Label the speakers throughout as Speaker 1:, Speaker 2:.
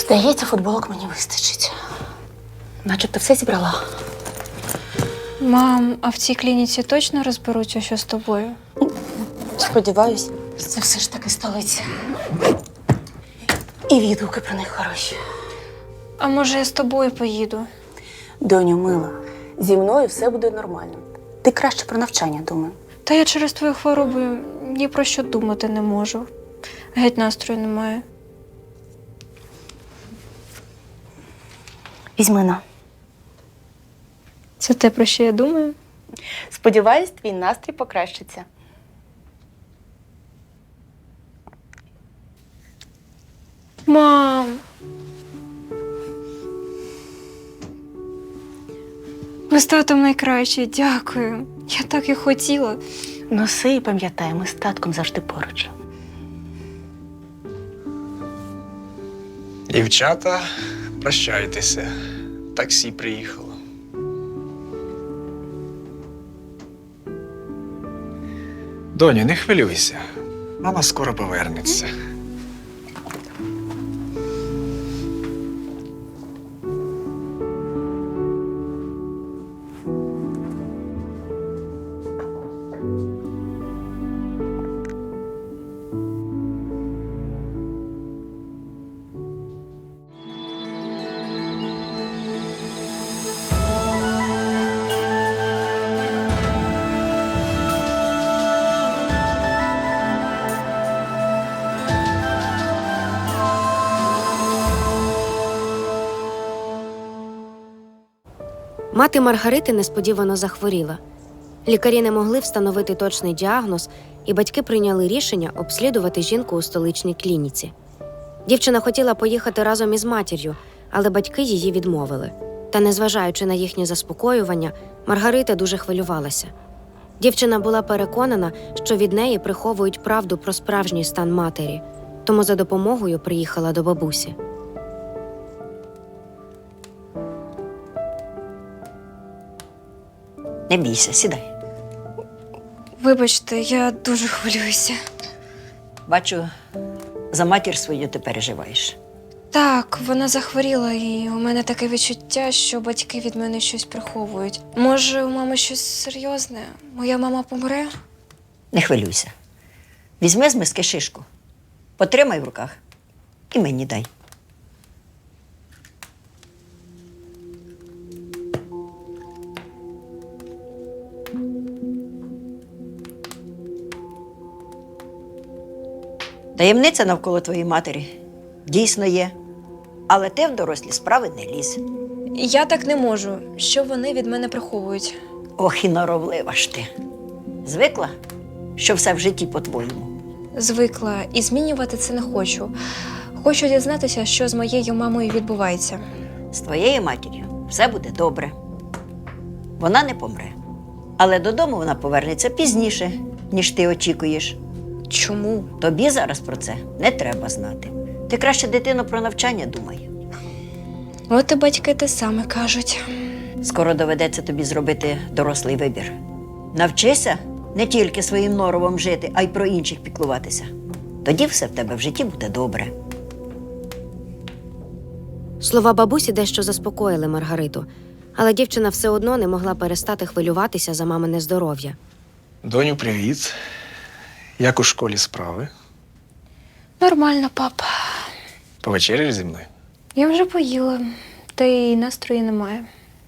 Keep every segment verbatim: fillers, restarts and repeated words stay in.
Speaker 1: Здається, футболок мені вистачить. Начебто все зібрала.
Speaker 2: Мам, а в цій клініці точно розберуться, що з тобою?
Speaker 1: Сподіваюсь, це все ж таки столиця. І відгуки про них хороші.
Speaker 2: А може, я з тобою поїду?
Speaker 1: Доню, мила, зі мною все буде нормально. Ти краще про навчання думай.
Speaker 2: Та я через твою хворобу ні про що думати не можу. Геть настрою немає.
Speaker 1: Візьми на.
Speaker 2: Це те, про що я думаю?
Speaker 1: Сподіваюсь, твій настрій покращиться.
Speaker 2: Мам! Ви з татом найкраще, дякую. Я так і хотіла.
Speaker 1: Носи і пам'ятай, ми з татком завжди поруч.
Speaker 3: Дівчата, прощайтеся. Таксі приїхало. Доню, не хвилюйся. Мама скоро повернеться.
Speaker 4: Мати Маргарити несподівано захворіла. Лікарі не могли встановити точний діагноз, і батьки прийняли рішення обслідувати жінку у столичній клініці. Дівчина хотіла поїхати разом із матір'ю, але батьки її відмовили. Та, незважаючи на їхнє заспокоювання, Маргарита дуже хвилювалася. Дівчина була переконана, що від неї приховують правду про справжній стан матері, тому за допомогою приїхала до бабусі.
Speaker 5: Не бійся, сідай.
Speaker 2: Вибачте, я дуже хвилююся.
Speaker 5: Бачу, за матір свою ти переживаєш.
Speaker 2: Так, вона захворіла, і у мене таке відчуття, що батьки від мене щось приховують. Може, у мами щось серйозне? Моя мама помре?
Speaker 5: Не хвилюйся. Візьми з миски шишку, потримай в руках і мені дай. Таємниця навколо твоєї матері дійсно є, але ти в дорослі справи не лізь.
Speaker 2: Я так не можу. Що вони від мене приховують?
Speaker 5: Ох, і норовлива ж ти. Звикла, що все в житті по-твоєму.
Speaker 2: Звикла і змінювати це не хочу. Хочу дізнатися, що з моєю мамою відбувається.
Speaker 5: З твоєю матір'ю все буде добре. Вона не помре. Але додому вона повернеться пізніше, ніж ти очікуєш.
Speaker 2: Чому?
Speaker 5: Тобі зараз про це не треба знати. Ти краще, дитино, про навчання думай.
Speaker 2: От і батьки те саме кажуть.
Speaker 5: Скоро доведеться тобі зробити дорослий вибір. Навчися не тільки своїм норовом жити, а й про інших піклуватися. Тоді все в тебе в житті буде добре.
Speaker 4: Слова бабусі дещо заспокоїли Маргариту, але дівчина все одно не могла перестати хвилюватися за мамине здоров'я.
Speaker 3: Доню, привіт. Як у школі справи?
Speaker 2: Нормально, папа.
Speaker 3: Повечеряєш зі мною?
Speaker 2: Я вже поїла, та й настрою немає.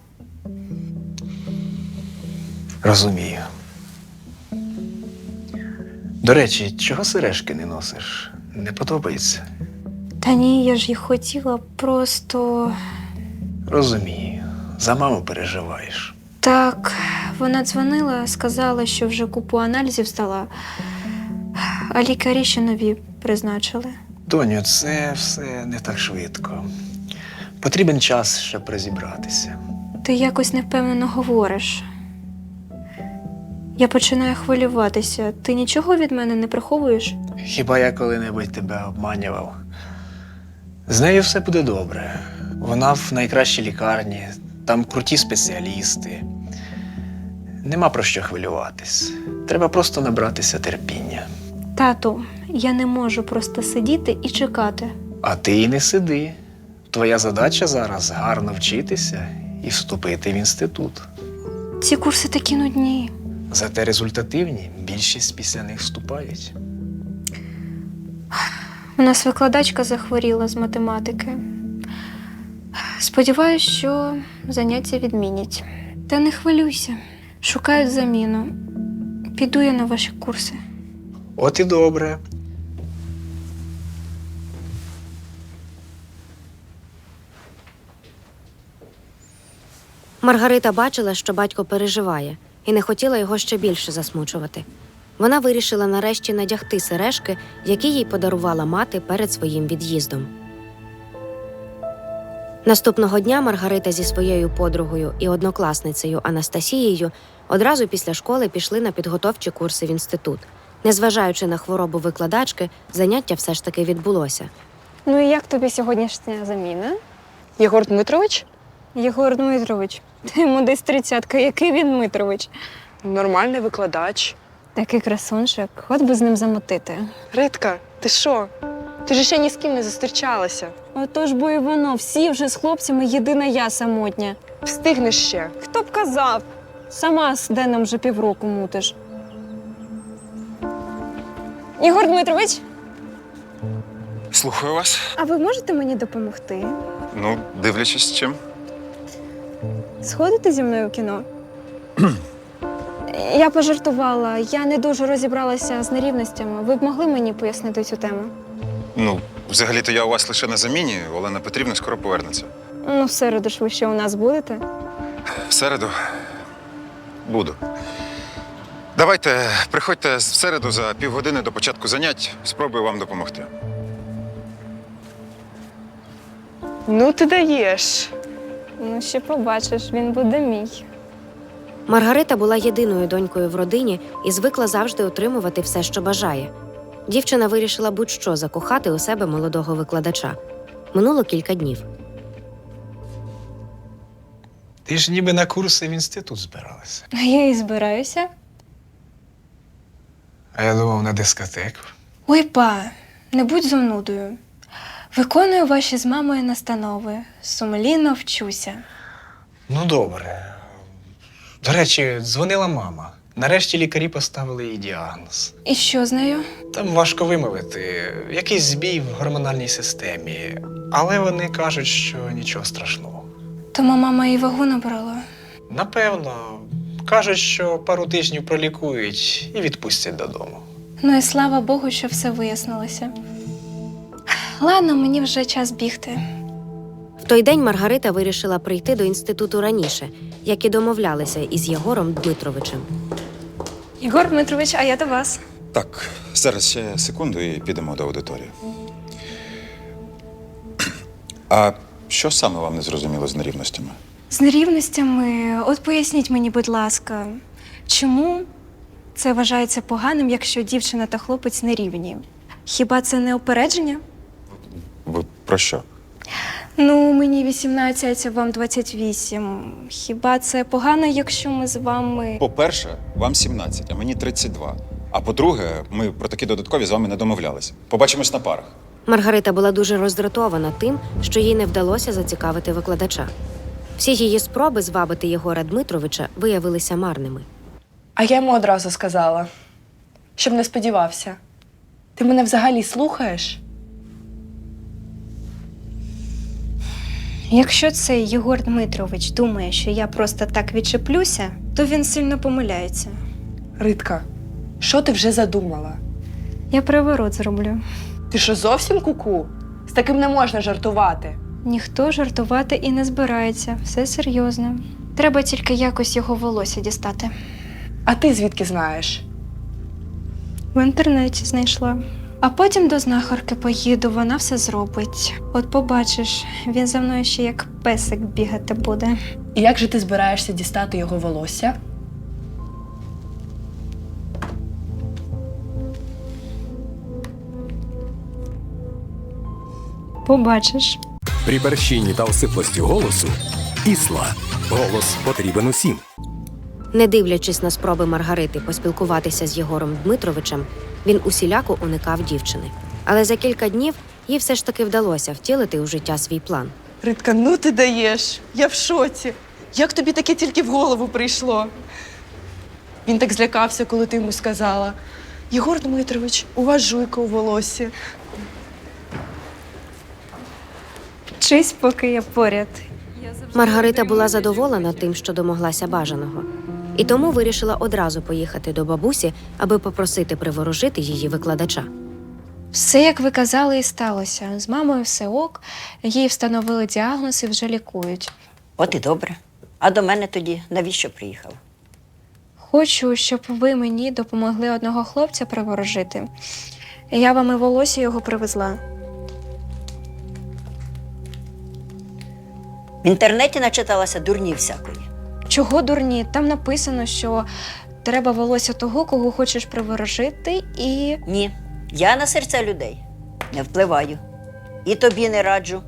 Speaker 3: Розумію. До речі, чого сережки не носиш? Не подобається?
Speaker 2: Та ні, я ж їх хотіла, просто…
Speaker 3: Розумію. За маму переживаєш.
Speaker 2: Так, вона дзвонила, сказала, що вже купу аналізів здала, а лікарі ще нові призначили.
Speaker 3: Доню, це все не так швидко. Потрібен час, щоб розібратися.
Speaker 2: Ти якось невпевнено говориш. Я починаю хвилюватися. Ти нічого від мене не приховуєш?
Speaker 3: Хіба я коли-небудь тебе обманював? З нею все буде добре. Вона в найкращій лікарні, там круті спеціалісти. Нема про що хвилюватись. Треба просто набратися терпіння.
Speaker 2: Тату, я не можу просто сидіти і чекати.
Speaker 3: А ти і не сиди. Твоя задача зараз гарно вчитися і вступити в інститут.
Speaker 2: Ці курси такі нудні.
Speaker 3: Зате результативні, більшість після них вступають.
Speaker 2: У нас викладачка захворіла з математики. Сподіваюсь, що заняття відмінять. Та не хвилюйся, шукають заміну. Піду я на ваші курси.
Speaker 3: От і добре.
Speaker 4: Маргарита бачила, що батько переживає, і не хотіла його ще більше засмучувати. Вона вирішила нарешті надягти сережки, які їй подарувала мати перед своїм від'їздом. Наступного дня Маргарита зі своєю подругою і однокласницею Анастасією одразу після школи пішли на підготовчі курси в інститут. Незважаючи на хворобу викладачки, заняття все ж таки відбулося.
Speaker 2: Ну і як тобі сьогоднішня заміна?
Speaker 6: Єгор Дмитрович?
Speaker 2: Єгор Дмитрович. Та йому десь тридцятка. Який він Дмитрович?
Speaker 6: Нормальний викладач.
Speaker 2: Такий красунчик. От би з ним замотити.
Speaker 6: Ритка, ти що? Ти ж ще ні з ким не зустрічалася.
Speaker 2: Отож бо і воно. Всі вже з хлопцями, єдина я самотня.
Speaker 6: Встигнеш ще.
Speaker 2: Хто б казав? Сама з Деном вже півроку мутиш. Єгор Дмитрович,
Speaker 7: Слухаю вас.
Speaker 2: а ви можете мені допомогти?
Speaker 7: Ну, дивлячись, чим.
Speaker 2: Сходите зі мною в кіно? Я пожартувала. Я не дуже розібралася з нерівностями. Ви б могли мені пояснити цю тему?
Speaker 7: Ну, взагалі-то я у вас лише на заміні. Олена Петрівна скоро повернеться.
Speaker 2: Ну, в середу ж ви ще у нас будете.
Speaker 7: В середу буду. Давайте, приходьте в середу за півгодини до початку занять. Спробую вам допомогти.
Speaker 6: Ну, ти даєш.
Speaker 2: Ну, ще побачиш, він буде мій.
Speaker 4: Маргарита була єдиною донькою в родині і звикла завжди отримувати все, що бажає. Дівчина вирішила будь-що закохати у себе молодого викладача. Минуло кілька днів.
Speaker 3: Ти ж ніби на курси в інститут збиралася.
Speaker 2: А я і збираюся.
Speaker 3: А я думав на дискотеку.
Speaker 2: Ой, па, не будь зумнудою. Виконую ваші з мамою настанови. Сумлінно вчуся.
Speaker 3: Ну, добре. До речі, дзвонила мама. Нарешті лікарі поставили їй діагноз.
Speaker 2: І що з нею?
Speaker 3: Там важко вимовити. Якийсь збій в гормональній системі. Але вони кажуть, що нічого страшного.
Speaker 2: Тому мама і вагу набрала.
Speaker 3: Напевно. Кажуть, що пару тижнів пролікують і відпустять додому.
Speaker 2: Ну і слава Богу, що все вияснилося. Ладно, мені вже час бігти.
Speaker 4: В той день Маргарита вирішила прийти до інституту раніше, як і домовлялися із Єгором Дмитровичем.
Speaker 2: Єгор Дмитрович, а я до вас.
Speaker 7: Так, зараз ще секунду і підемо до аудиторії. А що саме вам не зрозуміло з нерівностями?
Speaker 2: З нерівностями, от поясніть мені, будь ласка, чому це вважається поганим, якщо дівчина та хлопець нерівні? Хіба це не опередження?
Speaker 7: Ви про що?
Speaker 2: Ну, мені вісімнадцять, а вам двадцять вісім. Хіба це погано, якщо ми з вами…
Speaker 7: По-перше, вам сімнадцять, а мені тридцять два. А по-друге, ми про такі додаткові з вами не домовлялися. Побачимось на парах.
Speaker 4: Маргарита була дуже роздратована тим, що їй не вдалося зацікавити викладача. Всі її спроби звабити Єгора Дмитровича виявилися марними.
Speaker 6: А я йому одразу сказала, щоб не сподівався. Ти мене взагалі слухаєш?
Speaker 2: Якщо цей Єгор Дмитрович думає, що я просто так відчеплюся, то він сильно помиляється.
Speaker 6: Ритка, що ти вже задумала?
Speaker 2: Я приворот зроблю.
Speaker 6: Ти що, зовсім куку? З таким не можна жартувати.
Speaker 2: Ніхто жартувати і не збирається. Все серйозно. Треба тільки якось його волосся дістати.
Speaker 6: А ти звідки знаєш?
Speaker 2: В інтернеті знайшла. А потім до знахарки поїду, вона все зробить. От побачиш, він за мною ще як песик бігати буде.
Speaker 6: І як же ти збираєшся дістати його волосся?
Speaker 2: Побачиш.
Speaker 8: При борщині та осиплості голосу Ісла. Голос потрібен усім.
Speaker 4: Не дивлячись на спроби Маргарити поспілкуватися з Єгором Дмитровичем, він усіляко уникав дівчини. Але за кілька днів їй все ж таки вдалося втілити у життя свій план.
Speaker 6: Ритка, ну ти даєш. Я в шоці. Як тобі таке тільки в голову прийшло? Він так злякався, коли ти йому сказала. Єгор Дмитрович, у вас жуйка у волосі.
Speaker 2: Вчись, поки я поряд.
Speaker 4: Маргарита була задоволена тим, що домоглася бажаного, і тому вирішила одразу поїхати до бабусі, аби попросити приворожити її викладача.
Speaker 2: Все, як ви казали, і сталося. З мамою все ок, їй встановили діагноз і вже лікують.
Speaker 5: От і добре. А до мене тоді навіщо приїхав?
Speaker 2: Хочу, щоб ви мені допомогли одного хлопця приворожити. Я вам і волосся його привезла.
Speaker 5: В інтернеті начиталася дурні всякої.
Speaker 2: Чого дурні? Там написано, що треба волосся того, кого хочеш приворожити, і
Speaker 5: Ні, я на серця людей не впливаю. І тобі не раджу.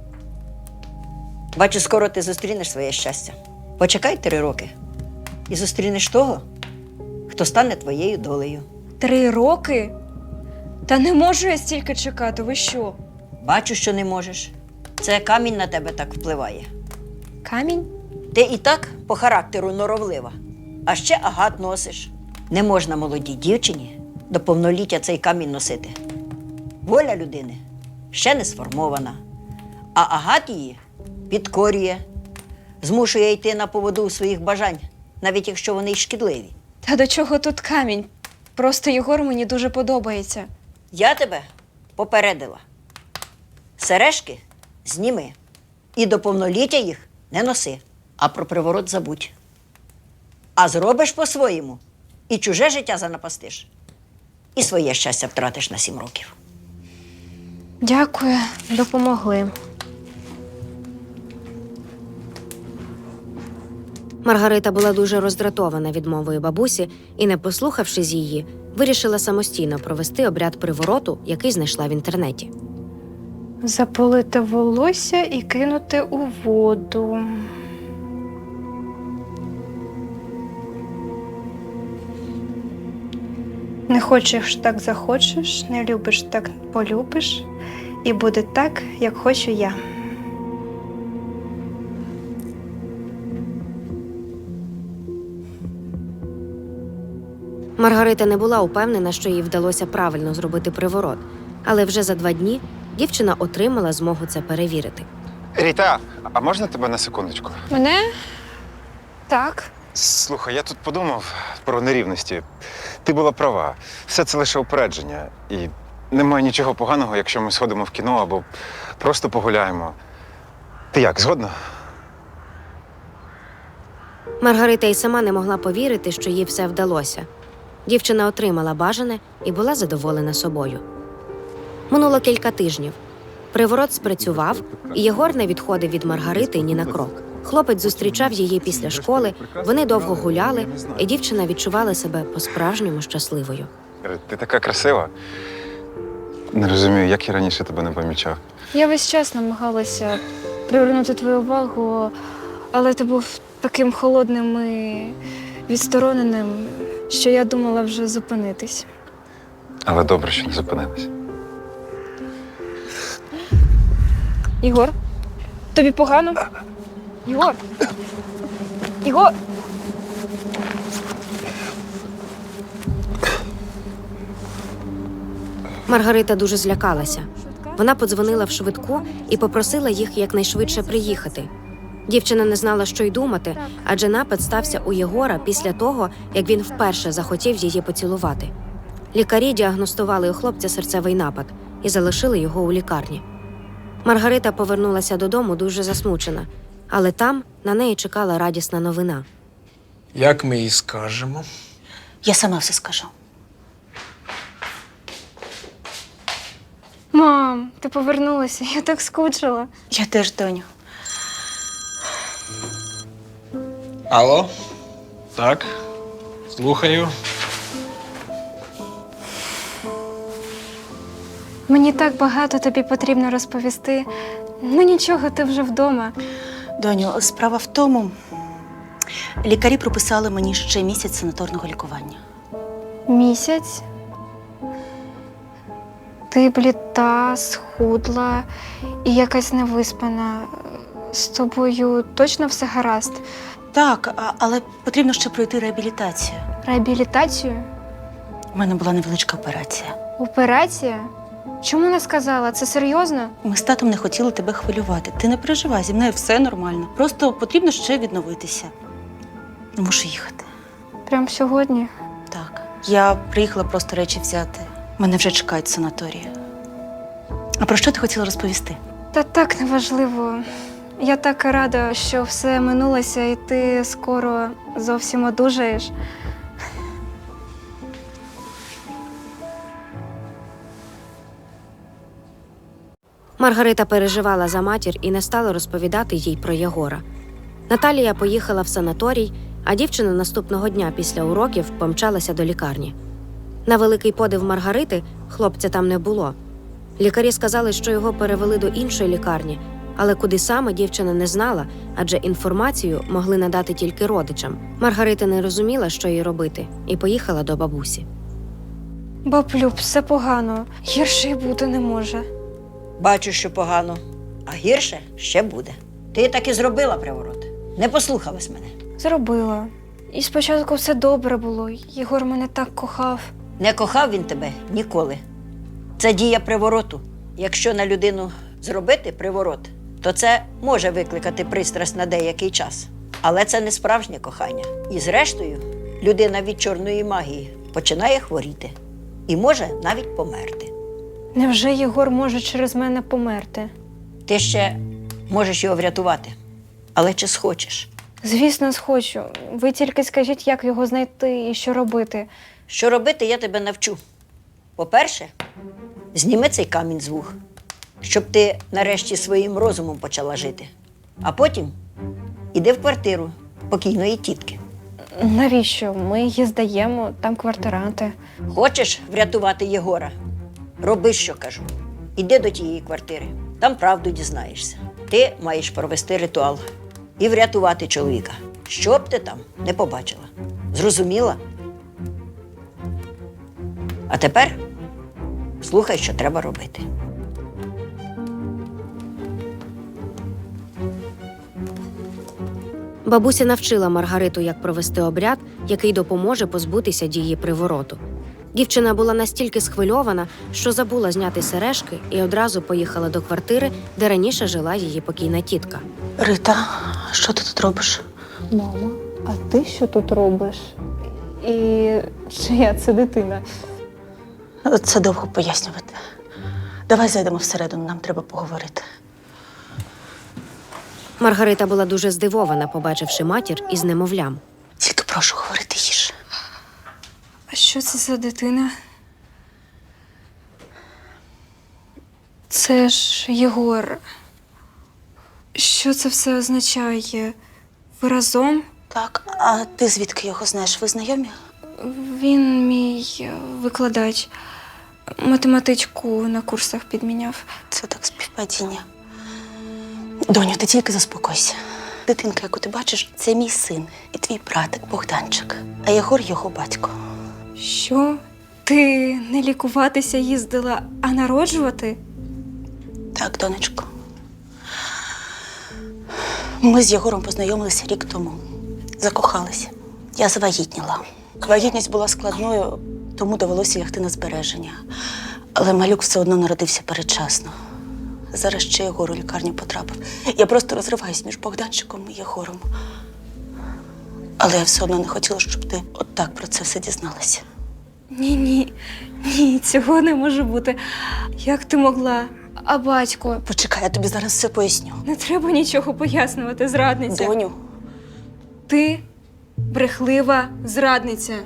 Speaker 5: Бачу, скоро ти зустрінеш своє щастя. Почекай три роки і зустрінеш того, хто стане твоєю долею.
Speaker 2: три роки? Та не можу я стільки чекати, ви що?
Speaker 5: Бачу, що не можеш. Це камінь на тебе так впливає.
Speaker 2: Камінь?
Speaker 5: Ти і так по характеру норовлива, а ще агат носиш. Не можна молодій дівчині до повноліття цей камінь носити. Воля людини ще не сформована, а агат її підкорює, змушує йти на поводу у своїх бажань, навіть якщо вони й шкідливі.
Speaker 2: Та до чого тут камінь? Просто Єгор мені дуже подобається.
Speaker 5: Я тебе попередила. Сережки зніми і до повноліття їх не носи, а про приворот забудь. А зробиш по-своєму і чуже життя занапастиш, і своє щастя втратиш на сім років.
Speaker 2: Дякую, допомогли.
Speaker 4: Маргарита була дуже роздратована відмовою бабусі і, не послухавшись її, вирішила самостійно провести обряд привороту, який знайшла в інтернеті.
Speaker 2: Заполити волосся і кинути у воду. Не хочеш так захочеш, не любиш так полюбиш, і буде так, як хочу я.
Speaker 4: Маргарита не була упевнена, що їй вдалося правильно зробити приворот, але вже за два дні дівчина отримала змогу це перевірити.
Speaker 7: Ріта, а можна тебе на секундочку?
Speaker 2: Мене? Так.
Speaker 7: Слухай, я тут подумав про нерівності. Ти була права. Все це лише упередження. І немає нічого поганого, якщо ми сходимо в кіно або просто погуляємо. Ти як, згодна?
Speaker 4: Маргарита й сама не могла повірити, що їй все вдалося. Дівчина отримала бажане і була задоволена собою. Минуло кілька тижнів. Приворот спрацював, і Єгор не відходив від Маргарити ні на крок. Хлопець зустрічав її після школи, вони довго гуляли, і дівчина відчувала себе по-справжньому щасливою.
Speaker 7: Ти така красива. Не розумію, як я раніше тебе не помічав.
Speaker 2: Я весь час намагалася привернути твою увагу, але ти був таким холодним і відстороненим, що я думала вже зупинитись.
Speaker 7: Але добре, що не зупинилась.
Speaker 2: Ігор, тобі погано? Ігор! Ігор!
Speaker 4: Маргарита дуже злякалася. Вона подзвонила в швидку і попросила їх якнайшвидше приїхати. Дівчина не знала, що й думати, адже напад стався у Єгора після того, як він вперше захотів її поцілувати. Лікарі діагностували у хлопця серцевий напад і залишили його у лікарні. Маргарита повернулася додому дуже засмучена, але там на неї чекала радісна новина.
Speaker 3: Як ми їй скажемо?
Speaker 1: Я сама все скажу.
Speaker 2: Мам, ти повернулася, я так скучила.
Speaker 1: Я теж, доню.
Speaker 3: Алло? Так, слухаю.
Speaker 2: Мені так багато тобі потрібно розповісти. Ну нічого, ти вже вдома.
Speaker 1: Доню, справа в тому, лікарі прописали мені ще місяць санаторного лікування.
Speaker 2: Місяць? Ти бліда, схудла і якась невиспана. З тобою точно все гаразд?
Speaker 1: Так, а- але потрібно ще пройти реабілітацію.
Speaker 2: Реабілітацію?
Speaker 1: У мене була невеличка операція.
Speaker 2: Операція? Чому не сказала? Це серйозно?
Speaker 1: Ми з татом не хотіли тебе хвилювати. Ти не переживай, зі мною все нормально. Просто потрібно ще відновитися. Мушу їхати.
Speaker 2: Прям сьогодні?
Speaker 1: Так. Я приїхала просто речі взяти. Мене вже чекають в санаторії. А про що ти хотіла розповісти?
Speaker 2: Та так неважливо. Я так рада, що все минулося, і ти скоро зовсім одужаєш.
Speaker 4: Маргарита переживала за матір і не стала розповідати їй про Єгора. Наталія поїхала в санаторій, а дівчина наступного дня після уроків помчалася до лікарні. На великий подив Маргарити хлопця там не було. Лікарі сказали, що його перевели до іншої лікарні, але куди саме дівчина не знала, адже інформацію могли надати тільки родичам. Маргарита не розуміла, що їй робити, і поїхала до бабусі.
Speaker 2: Баблюб, все погано. Гірше й бути не може.
Speaker 5: Бачу, що погано, а гірше ще буде. Ти так і зробила приворот. Не послухалась мене.
Speaker 2: Зробила. І спочатку все добре було. Єгор мене так кохав.
Speaker 5: Не кохав він тебе ніколи. Це дія привороту. Якщо на людину зробити приворот, то це може викликати пристрасть на деякий час. Але це не справжнє кохання. І зрештою, людина від чорної магії починає хворіти. І може навіть померти.
Speaker 2: Невже Єгор може через мене померти?
Speaker 5: Ти ще можеш його врятувати. Але чи схочеш?
Speaker 2: Звісно, схочу. Ви тільки скажіть, як його знайти і що робити.
Speaker 5: Що робити, я тебе навчу. По-перше, зніми цей камінь з вух, щоб ти нарешті своїм розумом почала жити. А потім іди в квартиру покійної тітки.
Speaker 2: Навіщо? Ми її здаємо, там квартиранти.
Speaker 5: Хочеш врятувати Єгора? Роби, що кажу. Іди до тієї квартири, там правду дізнаєшся. Ти маєш провести ритуал і врятувати чоловіка, що б ти там не побачила. Зрозуміла? А тепер слухай, що треба робити.
Speaker 4: Бабуся навчила Маргариту, як провести обряд, який допоможе позбутися дії привороту. Дівчина була настільки схвильована, що забула зняти сережки і одразу поїхала до квартири, де раніше жила її покійна тітка.
Speaker 1: Рита, що ти тут робиш?
Speaker 2: Мама, а ти що тут робиш? І чия це дитина?
Speaker 1: Це довго пояснювати. Давай зайдемо всередину, нам треба поговорити.
Speaker 4: Маргарита була дуже здивована, побачивши матір із немовлям.
Speaker 1: Тільки прошу говорити їж.
Speaker 2: А що це за дитина? Це ж Єгор. Що це все означає? Ви разом?
Speaker 1: Так, а ти звідки його знаєш? Ви знайомі?
Speaker 2: Він мій викладач. Математичку на курсах підміняв.
Speaker 1: Це так співпадіння. Доню, ти тільки заспокойся. Дитинка, яку ти бачиш, це мій син і твій братик Богданчик, а Єгор його батько.
Speaker 2: Що? Ти не лікуватися їздила, а народжувати?
Speaker 1: Так, донечко. Ми з Єгором познайомилися рік тому. Закохалися. Я завагітніла. Вагітність була складною, тому довелося лягти на збереження. Але малюк все одно народився передчасно. Зараз ще Єгор у лікарню потрапив. Я просто розриваюсь між Богданчиком і Єгором. Але я все одно не хотіла, щоб ти отак про це все дізналася.
Speaker 2: Ні-ні, ні, цього не може бути. Як ти могла? А батько?
Speaker 1: Почекай, я тобі зараз все поясню.
Speaker 2: Не треба нічого пояснювати, зрадниця.
Speaker 1: Доню,
Speaker 2: Ти брехлива зрадниця.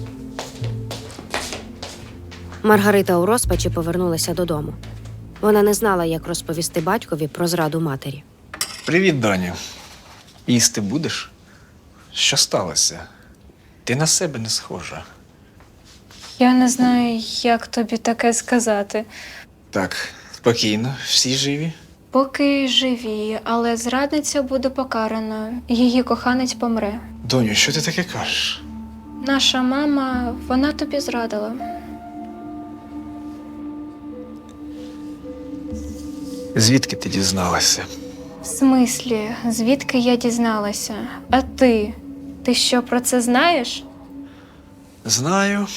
Speaker 4: Маргарита у розпачі повернулася додому. Вона не знала, як розповісти батькові про зраду матері.
Speaker 3: Привіт, доню. Їсти будеш? Що сталося? Ти на себе не схожа.
Speaker 2: Я не знаю, як тобі таке сказати.
Speaker 3: Так, спокійно, всі живі?
Speaker 2: Поки живі, але зрадниця буде покарана. Її коханець помре.
Speaker 3: Доню, що ти таке кажеш?
Speaker 2: Наша мама, вона тобі зрадила.
Speaker 3: Звідки ти дізналася?
Speaker 2: В смислі, звідки я дізналася? А ти? Ти що про це знаєш?
Speaker 3: Знаю.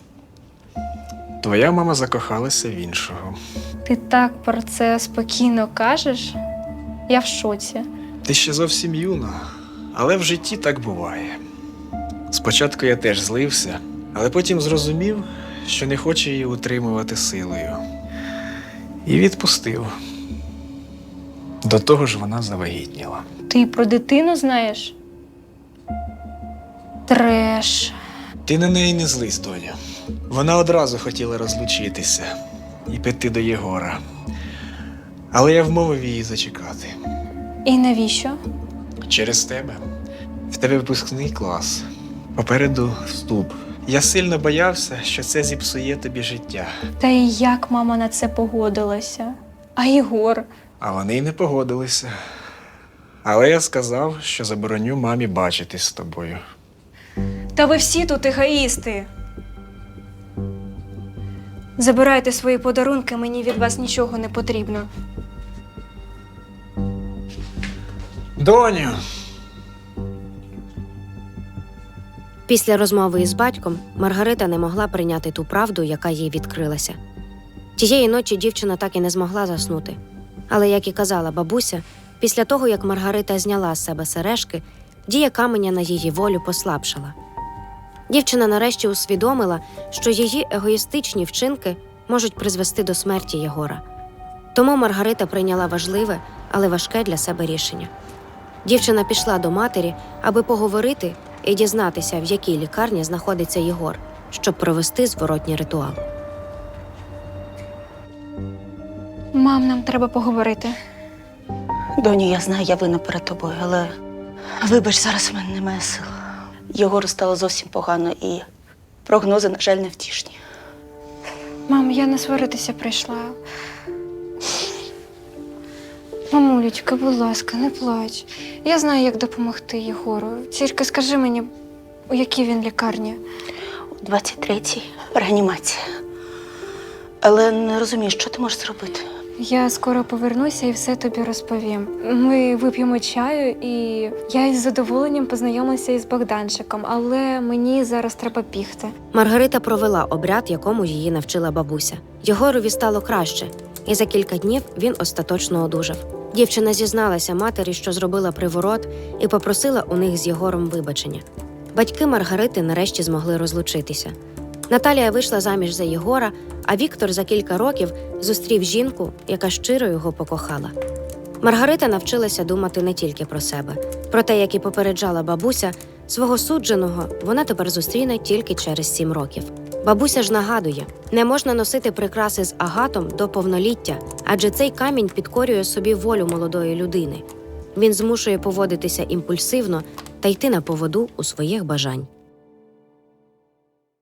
Speaker 3: Твоя мама закохалася в іншого.
Speaker 2: Ти так про це спокійно кажеш? Я в шоці.
Speaker 3: Ти ще зовсім юна, але в житті так буває. Спочатку я теж злився, але потім зрозумів, що не хочу її утримувати силою. І відпустив. До того ж вона завагітніла.
Speaker 2: Ти про дитину знаєш? Треш.
Speaker 3: Ти на неї не злись, доня. Вона одразу хотіла розлучитися і піти до Єгора. Але я вмовив її зачекати.
Speaker 2: І навіщо?
Speaker 3: Через тебе. В тебе випускний клас. Попереду вступ. Я сильно боявся, що це зіпсує тобі життя.
Speaker 2: Та і як мама на це погодилася? А Єгор?
Speaker 3: А вони й не погодилися. Але я сказав, що забороню мамі бачитись з тобою.
Speaker 2: Та ви всі тут егоїсти. Забирайте свої подарунки, мені від вас нічого не потрібно.
Speaker 3: Доню!
Speaker 4: Після розмови із батьком Маргарита не могла прийняти ту правду, яка їй відкрилася. Тієї ночі дівчина так і не змогла заснути. Але, як і казала бабуся, після того, як Маргарита зняла з себе сережки, дія каменя на її волю послабшала. Дівчина нарешті усвідомила, що її егоїстичні вчинки можуть призвести до смерті Єгора. Тому Маргарита прийняла важливе, але важке для себе рішення. Дівчина пішла до матері, аби поговорити і дізнатися, в якій лікарні знаходиться Єгор, щоб провести зворотній ритуал.
Speaker 2: Мам, нам треба поговорити.
Speaker 1: Доню, я знаю, я винна перед тобою, але вибач, зараз в мене немає сил. Єгору стало зовсім погано і прогнози, на жаль, невтішні.
Speaker 2: Мам, я не сваритися прийшла. Мамулечка, будь ласка, не плач. Я знаю, як допомогти Єгору. Тільки скажи мені, у якій він лікарні?
Speaker 1: У двадцять третій реанімація. Але не розумію, що ти можеш зробити.
Speaker 2: Я скоро повернуся і все тобі розповім. Ми вип'ємо чаю, і я із задоволенням познайомилася із Богданчиком, але мені зараз треба бігти.
Speaker 4: Маргарита провела обряд, якому її навчила бабуся. Єгорові стало краще, і за кілька днів він остаточно одужав. Дівчина зізналася матері, що зробила приворот, і попросила у них з Єгором вибачення. Батьки Маргарити нарешті змогли розлучитися. Наталія вийшла заміж за Єгора, а Віктор за кілька років зустрів жінку, яка щиро його покохала. Маргарита навчилася думати не тільки про себе. Проте, як і попереджала бабуся, свого судженого вона тепер зустріне тільки через сім років. Бабуся ж нагадує, не можна носити прикраси з агатом до повноліття, адже цей камінь підкорює собі волю молодої людини. Він змушує поводитися імпульсивно та йти на поводу у своїх бажань.